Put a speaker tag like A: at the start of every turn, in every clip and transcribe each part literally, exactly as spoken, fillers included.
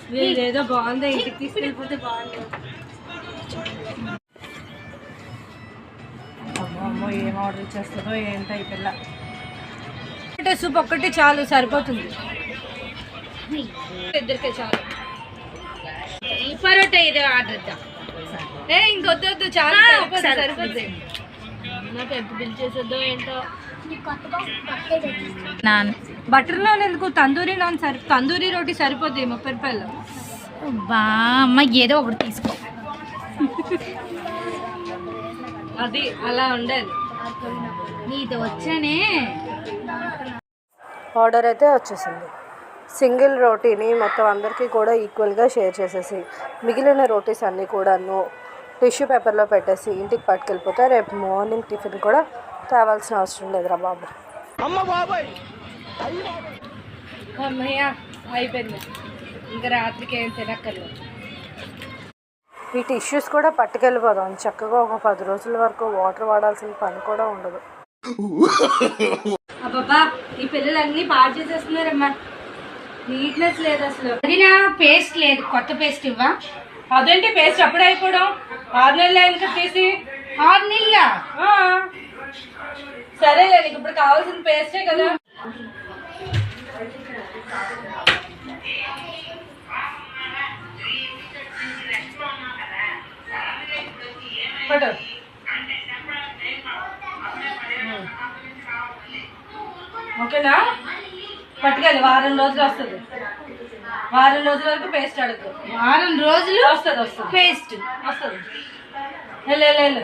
A: ఏదో బాగుంది, ఇంటికి తీసుకెళ్ళిపోతే బాగుంటుంది. అమ్మో అమ్మో ఏం ఆర్డర్ చేస్తుందో ఏంటో ఈ పిల్ల. ఒకటే సూప్ ఒక్కటి చాలు, సరిపోతుంది ఇద్దరికే చాలు. ఈ పరోటా ఇది ఆర్డర్ ఇద్దాం. ఏ ఇంకొద్దు వద్దు, చాలా సరిపోతుంది. నాకు ఎంత బిల్ చేసేద్దో ఏంటో. నాన్ బటర్ నాన్ ఎందుకు, తందూరి నాన్ సరి తందూరి రోటీ సరిపోద్ది ముప్పై రూపాయలు. బా అమ్మ ఏదో ఒకటి తీసుకో. అది అలా ఉండేది. నీది వచ్చానే. ఆర్డర్ అయితే వచ్చేసింది. సింగిల్ రోటీని మొత్తం అందరికీ కూడా ఈక్వల్గా షేర్ చేసేసి మిగిలిన రోటీస్ అన్నీ కూడాను టిష్యూ పేపర్లో పెట్టేసి ఇంటికి పట్టుకెళ్ళిపోతే రేపు మార్నింగ్ టిఫిన్ కూడా తేవాల్సిన అవసరం లేదురా బాబు. అమ్మయ్య అయిపోయింది, ఇంకా రాత్రికి ఏం తినక్కర్లేదు. ఈ టిష్యూస్ కూడా పట్టుకెళ్ళిపోదాం. చక్కగా ఒక పది రోజుల వరకు వాటర్ వాడాల్సిన పని కూడా ఉండదు. అబ్బాబా ఈ పిల్లలన్నీ పాడు చేసేస్తున్నారమ్మా. నీట్నెస్ లేదు అసలు. అది నా పేస్ట్ లేదు, కొత్త పేస్ట్ ఇవ్వా. అదేంటి పేస్ట్ అప్పుడే అయిపోవడం? ఆరు నెలలు అయింది కదా తీసి. ఆరు నెలల సరేలే, నీకు ఇప్పుడు కావాల్సిన పేస్టే కదా. పట్టు ఓకేనా, పట్టుకెళ్ళి వారం రోజులు వస్తుంది. వారం రోజుల వరకు పేస్ట్ అడుగు. వారం రోజులు వస్తుంది వస్తుంది పేస్ట్ వస్తుంది. వెళ్ళు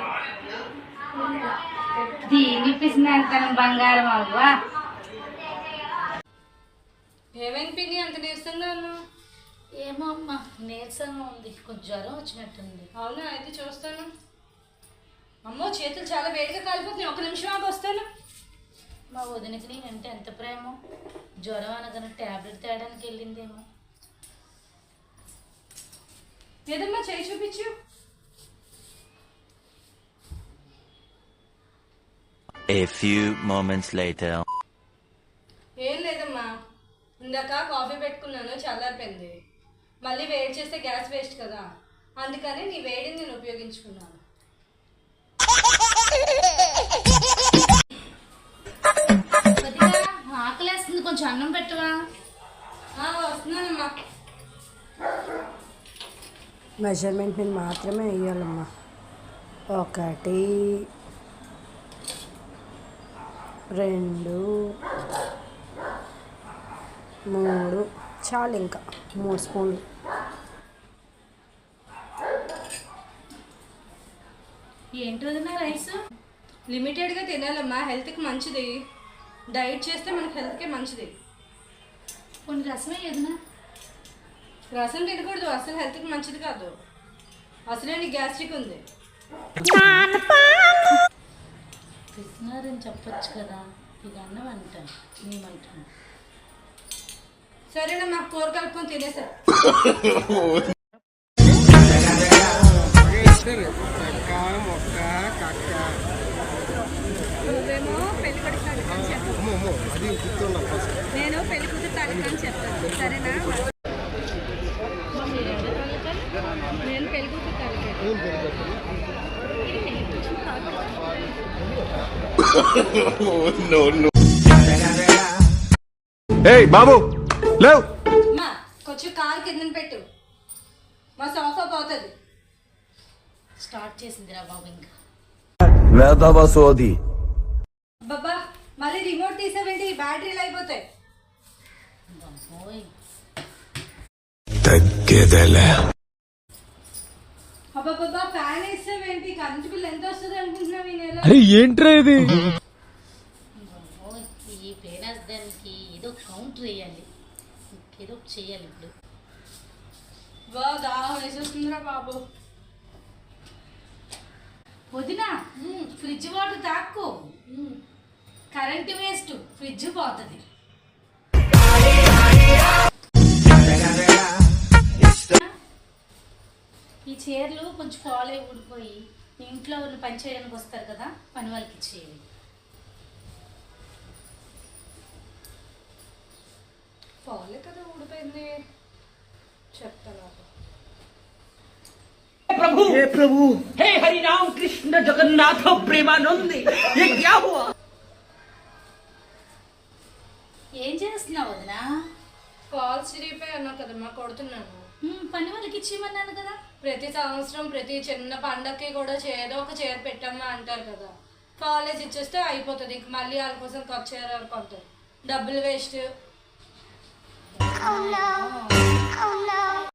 A: దీని పిసినంతనం బంగారం అవ్వా. ఏమైంది పిన్ని అంత నీరసంగా ఉన్నావు?
B: ఏమో అమ్మా నీరసంగా ఉంది, కొంచెం జ్వరం వచ్చినట్టుంది.
A: అవునా, అయితే చూస్తాను. అమ్మో చేతులు చాలా వేడిగా కాలిపోతున్నాయి, ఒక నిమిషం ఆగి వస్తాను.
B: మా వదినకి నేనంటే ఎంత ప్రేమ, జ్వరం అనగానే ట్యాబ్లెట్ తేయడానికి వెళ్ళిందేమో.
A: ఏదమ్మా చేయి చూపించు.
C: A few moments later.
A: ఏం లేదమ్మా, ఇందాక కాఫీ పెట్టుకున్నాను, చల్లారిపోయింది. మళ్ళీ వేడి చేస్తే గ్యాస్ వేస్ట్ కదా, అందుకని నీ వేడిని నేను ఉపయోగించుకున్నాను.
B: ఆకలేస్తుంది, కొంచెం అన్నం పెట్టవా?
A: వస్తున్నానమ్మా.
D: మెజర్మెంట్ నేను మాత్రమే వేయాలమ్మా. ఒకటి, రెండు, మూడు, చాలు, ఇంకా మూడు స్పూన్లు.
B: ఏంటి వదిన రైస్?
A: లిమిటెడ్గా తినాలమ్మా, హెల్త్కి మంచిది. డైట్ చేస్తే మనకి హెల్త్కే మంచిది.
B: కొన్ని రసమే వదిన.
A: రసం తినకూడదు, అసలు హెల్త్కి మంచిది కాదు. అసలే నీకు గ్యాస్ట్రిక్ ఉంది.
B: తిన్నారని చెప్పచ్చు కదా, ఇది అన్నం అంటాను మేమంటాను.
A: సరేనమ్మా, కూర కలుపుకొని తినేసా. నువ్వేమో పెళ్లి కొడుకు తాలూకని చెప్పాను, నేను పెళ్లి కూతురు తాలూకని చెప్తాను. సరేనా? నేను పెళ్లి కూతురు
E: బాబు లేవు.
A: కొంచెం కారు కింద పెట్టు, మా సోఫా పోతుంది.
B: స్టార్ట్ చేసిందిరా బాబు. ఇంకా
E: వేదవసోది
A: బాబా మళ్ళీ రిమోట్ తీసావేంటి, బ్యాటరీలు అయిపోతాయి.
E: తగ్గేదేలే.
A: అబ్బా బాబా ఫ్యాన్ వేసావేంటి, కరెంట్ బిల్ ఎంత వస్తుంది అనుకుంటున్నావు ఈ నెల?
E: ఏంట్రా ఇది?
B: ఈ పేనాస్ దానికి ఏదో కౌంటర్ వేయాలి, ఏదో చేయాలి ఇప్పుడు.
A: బా దాహం వేసేస్తుందిరా బాబు.
B: వదిన ఫ్రిడ్జ్ వాటర్ తాక్కు, కరెంట్ వేస్ట్, ఫ్రిడ్జ్ పోతుంది. ఈ చీరలు కొంచెం ఫాల్ అయి ఊడిపోయి ఇంట్లో వాళ్ళు పని చేయడానికి వస్తారు కదా, పని వాళ్ళకి ఇచ్చేవి.
A: ఫాలే కదా ఊడిపోయింది. చెప్తాను
F: प्रभु हे प्रभु हे हरि राम कृष्ण जगन्नाथ प्रेमानंद ये क्या हुआ?
B: ఏం చేస్తున్నావు వదినా?
A: కాల్స్ చిరిగిపోయి అన్నా కదమ్మా, కొడుతున్నాను.
B: ఉమ్, పని వాళ్ళకి ఇచ్చేయమన్నాను కదా.
A: ప్రతి సంవత్సరం ప్రతి చిన్న పండగకి కూడా ఏదో ఒక చీర పెట్టమ్మా అంటారు కదా. కాలేజ్ ఇచ్చేస్తే అయిపోతుంది, ఇంక మళ్ళీ వాళ్ళ కోసం కొత్త చీర కొంటారు, డబ్బులు వేస్ట్.